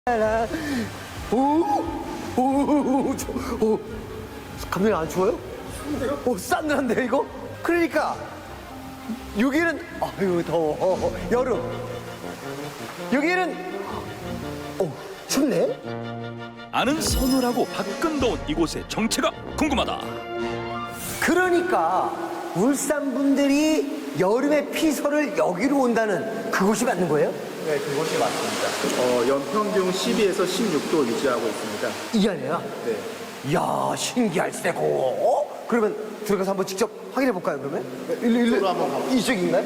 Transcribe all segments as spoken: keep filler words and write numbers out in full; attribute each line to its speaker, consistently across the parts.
Speaker 1: 오, 오, 저, 오, 감독님 안 추워요? 추운데요? 오, 싸늘한데 이거? 그러니까 여기는 아유 더워 어, 여름. 여기는 오, 춥네.
Speaker 2: 아는 서늘하고 밖은 더운 이곳의 정체가 궁금하다.
Speaker 1: 그러니까 울산 분들이 여름에 피서를 여기로 온다는 그곳이 맞는 거예요?
Speaker 3: 네, 그곳이 맞습니다. 어, 연평균 십이에서 십육 도 유지하고 있습니다.
Speaker 1: 이 안에야?
Speaker 3: 네.
Speaker 1: 이야, 신기할세고. 어? 그러면 들어가서 한번 직접 확인해 볼까요, 그러면? 일로, 일로.
Speaker 3: 이쪽으로 한번 가볼까요?
Speaker 1: 이쪽인가요?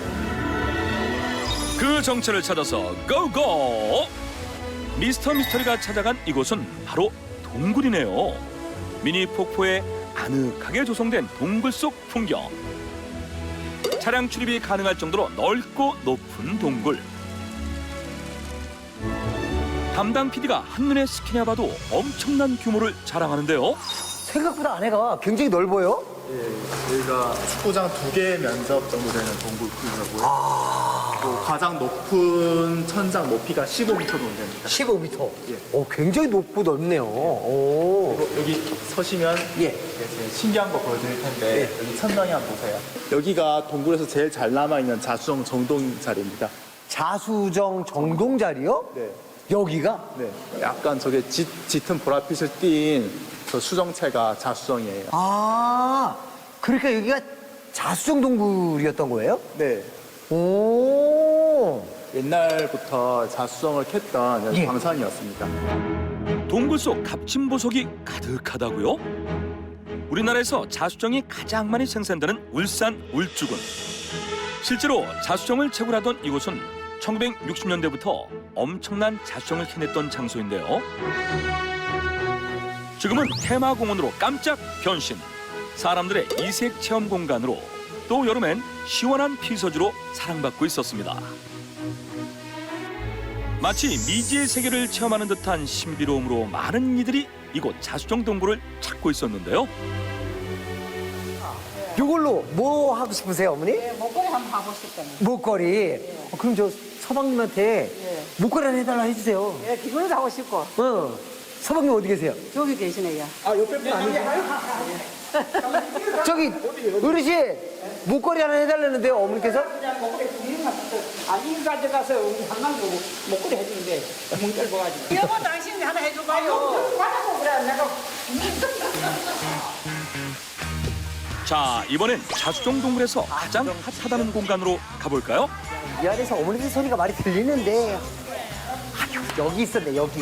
Speaker 2: 그 정체를 찾아서 고고! 미스터 미스터리가 찾아간 이곳은 바로 동굴이네요. 미니 폭포에 아늑하게 조성된 동굴 속 풍경. 차량 출입이 가능할 정도로 넓고 높은 동굴. 담당 피디가 한눈에 스키냐 봐도 엄청난 규모를 자랑하는데요.
Speaker 1: 생각보다 안에가 굉장히 넓어요.
Speaker 3: 예, 여기가 축구장 두 개 면적 정도 되는 동굴 크기고요.
Speaker 1: 아.
Speaker 3: 또 가장 높은 천장 높이가 십오 미터 정도 됩니다.
Speaker 1: 십오 미터.
Speaker 3: 예.
Speaker 1: 오, 굉장히 높고 넓네요. 오.
Speaker 3: 그리고 여기 서시면
Speaker 1: 예.
Speaker 3: 이제 신기한 거 보여드릴 텐데
Speaker 1: 예.
Speaker 3: 여기 천장에 한번 보세요. 여기가 동굴에서 제일 잘 남아있는 자수정 정동 자리입니다.
Speaker 1: 자수정 정동 자리요?
Speaker 3: 네.
Speaker 1: 여기가?
Speaker 3: 네. 약간 저게 짙, 짙은 보랏빛을 띤 저 수정체가 자수정이에요.
Speaker 1: 아, 그러니까 여기가 자수정 동굴이었던 거예요?
Speaker 3: 네.
Speaker 1: 오.
Speaker 3: 옛날부터 자수정을 캤던
Speaker 1: 예.
Speaker 3: 광산이었습니다.
Speaker 2: 동굴 속 값진 보석이 가득하다고요? 우리나라에서 자수정이 가장 많이 생산되는 울산 울주군. 실제로 자수정을 채굴하던 이곳은 천구백육십 년대부터 엄청난 자수정을 캐냈던 장소인데요. 지금은 테마공원으로 깜짝 변신. 사람들의 이색 체험 공간으로, 또 여름엔 시원한 피서지로 사랑받고 있었습니다. 마치 미지의 세계를 체험하는 듯한 신비로움으로 많은 이들이 이곳 자수정 동굴을 찾고 있었는데요.
Speaker 1: 이걸로 뭐 하고 싶으세요, 어머니?
Speaker 4: 네, 목걸이 한번 하고 싶다니.
Speaker 1: 목걸이. 어, 그럼 저 서방님한테
Speaker 4: 예.
Speaker 1: 목걸이 하나 해달라 해주세요.
Speaker 4: 예, 기분도 하고 싶고.
Speaker 1: 어. 서방님 어디 계세요?
Speaker 4: 저기 계시네요.
Speaker 1: 아, 옆에 분 아니세요? 저기 어르신 목걸이 하나 해달라는데요, 어머니께서?
Speaker 4: 목걸이 두 개만 아니, 가져가서 우리 한강도 목걸이 해주는데 멍 떨궈가지고. 여보, 당신이 하나 해줘봐요. 받아보 그래, 내가.
Speaker 2: 자, 이번엔 자수정 동굴에서 가장 핫하다는 공간으로 가볼까요?
Speaker 1: 이 안에서 어머니들 소리가 많이 들리는데 아유, 여기 있었네, 여기.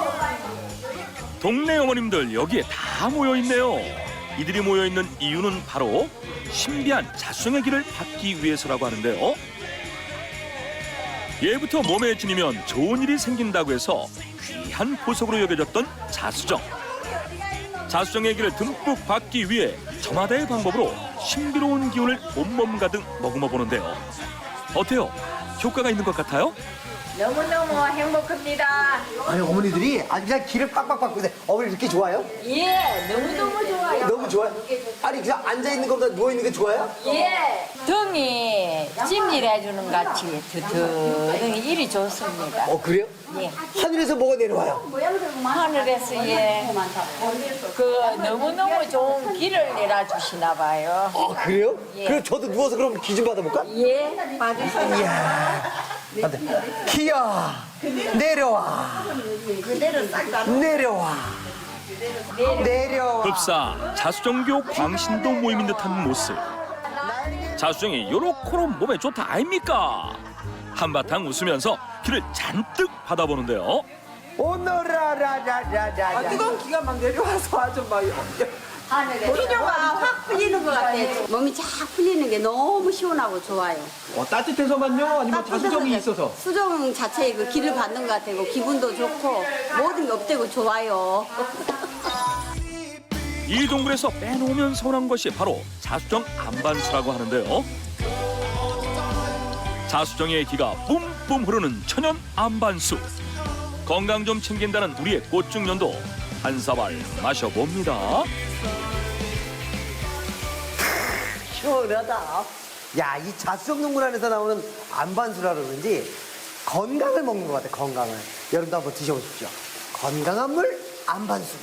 Speaker 2: 동네 어머님들 여기에 다 모여있네요. 이들이 모여있는 이유는 바로 신비한 자수정의 길을 받기 위해서라고 하는데요. 예부터 몸에 지니면 좋은 일이 생긴다고 해서 귀한 보석으로 여겨졌던 자수정. 자수정의 길을 듬뿍 받기 위해 저마다의 방법으로 신비로운 기운을 온몸 가득 머금어 보는데요. 어때요? 효과가 있는 것 같아요?
Speaker 5: 너무너무 행복합니다.
Speaker 1: 아니, 어머니들이 아주 그냥 길을 빡빡 밟고 있는데 어머니 이렇게 좋아요?
Speaker 5: 예, 너무너무 좋아요.
Speaker 1: 너무 좋아요? 아니, 그냥 앉아있는 것보다 누워있는 게 좋아요?
Speaker 5: 예, 등이 찜질해주는 같이 드드등이 일이 좋습니다.
Speaker 1: 어, 그래요?
Speaker 5: 예,
Speaker 1: 하늘에서 뭐가 내려와요?
Speaker 5: 하늘에서 예, 그 너무너무 좋은 길을 내려주시나 봐요.
Speaker 1: 아, 그래요?
Speaker 5: 예.
Speaker 1: 그럼 저도 누워서 그럼 기 좀 받아볼까?
Speaker 5: 예, 받으세요.
Speaker 1: 이야. 안 돼. 기야, 내려와. 내려와. 내려와.
Speaker 2: 급사 자수정교 광신도 모임인 듯한 모습. 자수정이 요렇게로 몸에 좋다 아닙니까? 한바탕 웃으면서 길을 잔뜩 받아보는데요.
Speaker 1: 오너라라라라라.
Speaker 4: 아, 뜨거운 기가 막 내려와서 아주 막.
Speaker 6: 피로가 확 풀리는 것 같아. 몸이 쫙 풀리는 게 너무 시원하고 좋아요.
Speaker 1: 어, 따뜻해서만요? 아니면 자수정이 있어서?
Speaker 6: 수정 자체의 그 기를 받는 것 같아요. 기분도 좋고 모든 게 업되고 좋아요.
Speaker 2: 이 동굴에서 빼놓으면 서운한 것이 바로 자수정 안반수라고 하는데요. 자수정의 기가 뿜뿜 흐르는 천연 안반수. 건강 좀 챙긴다는 우리의 꽃중년도 한 사발 마셔봅니다.
Speaker 1: 시원하다. 야, 이 자수정 동굴 안에서 나오는 안반수라 그러는지 건강을 먹는 것 같아요. 건강을. 여러분도 한번 드셔보십시오. 건강한 물 안반수.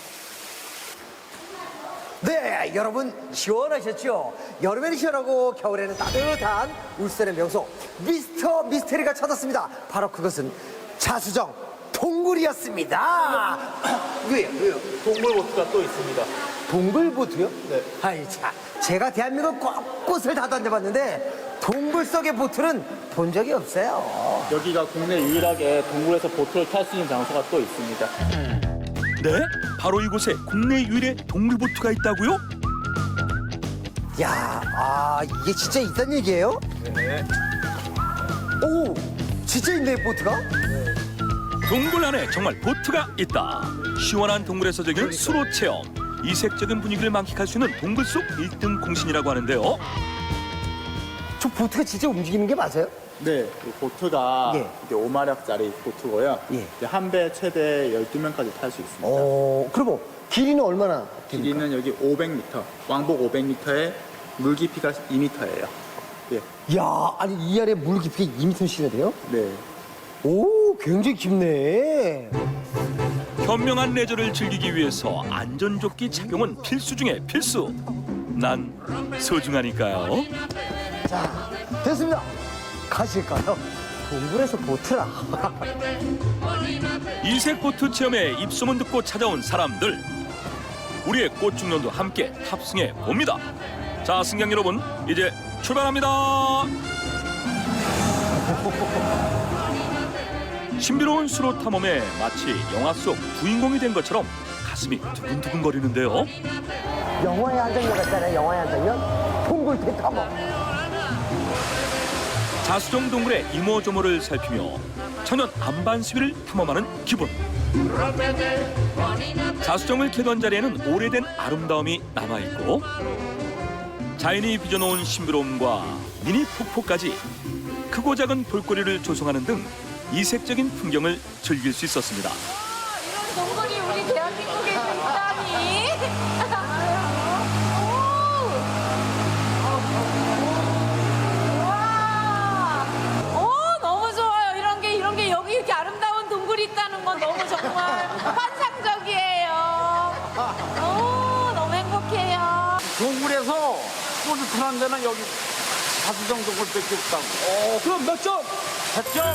Speaker 1: 네, 여러분 시원하셨죠? 여름에는 시원하고 겨울에는 따뜻한 울산의 명소 미스터 미스테리가 찾았습니다. 바로 그것은 자수정 동굴이었습니다. 왜요? 왜요?
Speaker 3: 동물보트가 또 있습니다.
Speaker 1: 동굴보트요?
Speaker 3: 네.
Speaker 1: 아이 참, 제가 대한민국 곳곳을 다 다녀봤는데 동굴 속의 보트는 본 적이 없어요.
Speaker 3: 여기가 국내 유일하게 동굴에서 보트를 탈 수 있는 장소가 또 있습니다.
Speaker 2: 네? 바로 이곳에 국내 유일의 동굴보트가 있다고요?
Speaker 1: 야, 아 이게 진짜 있단 얘기예요?
Speaker 3: 네.
Speaker 1: 오, 진짜 있네 보트가?
Speaker 2: 동굴 안에 정말 보트가 있다. 시원한 동굴에서 즐기는 수로 체험. 이색적인 분위기를 만끽할 수 있는 동굴 속 일 등 공신이라고 하는데요.
Speaker 1: 저 보트가 진짜 움직이는 게 맞아요?
Speaker 3: 네, 이 보트가
Speaker 1: 예.
Speaker 3: 이게 오 마력짜리 보트고요.
Speaker 1: 예.
Speaker 3: 이제 한 배 최대 열두 명까지 탈 수 있습니다.
Speaker 1: 어, 그럼 길이는 얼마나 됩니까?
Speaker 3: 길이는 여기 오백 미터, 왕복 오백 미터에 물 깊이가 이 미터예요. 예.
Speaker 1: 야, 아니 이 안에 물 깊이가 이 미터씩이나 돼요?
Speaker 3: 네.
Speaker 1: 오, 굉장히 깊네.
Speaker 2: 현명한 레저를 즐기기 위해서 안전조끼 착용은 필수 중에 필수. 난 소중하니까요.
Speaker 1: 자, 됐습니다. 가실까요? 동굴에서 보트라.
Speaker 2: 이색 보트 체험에 입소문 듣고 찾아온 사람들. 우리의 꽃중년도 함께 탑승해 봅니다. 자, 승객 여러분, 이제 출발합니다. 신비로운 수로 탐험에 마치 영화 속 주인공이 된 것처럼 가슴이 두근두근거리는데요.
Speaker 1: 영화의 한 장면 같잖아요. 영화의 한 장면. 동굴 대탐험.
Speaker 2: 자수정 동굴의 이모저모를 살피며 천연 안반수비를 탐험하는 기분. 자수정을 캐던 자리에는 오래된 아름다움이 남아있고 자연이 빚어놓은 신비로움과 미니 폭포까지 크고 작은 볼거리를 조성하는 등 이색적인 풍경을 즐길 수 있었습니다.
Speaker 5: 이런 동굴이 우리 대한민국에 있다니. 와, 오 너무 좋아요. 이런 게 이런 게 여기 이렇게 아름다운 동굴이 있다는 건 너무 정말 환상적이에요. 오 너무 행복해요.
Speaker 4: 동굴에서 뿌듯한 데는 여기 자수정 동굴밖에 없다고.
Speaker 1: 어, 그럼 몇 점?
Speaker 4: 백 점?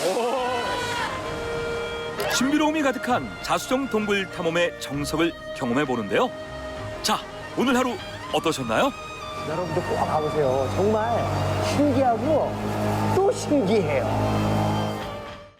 Speaker 2: 신비로움이 가득한 자수정 동굴 탐험의 정석을 경험해 보는데요. 자, 오늘 하루 어떠셨나요?
Speaker 1: 여러분도 꼭 가보세요. 정말 신기하고 또 신기해요.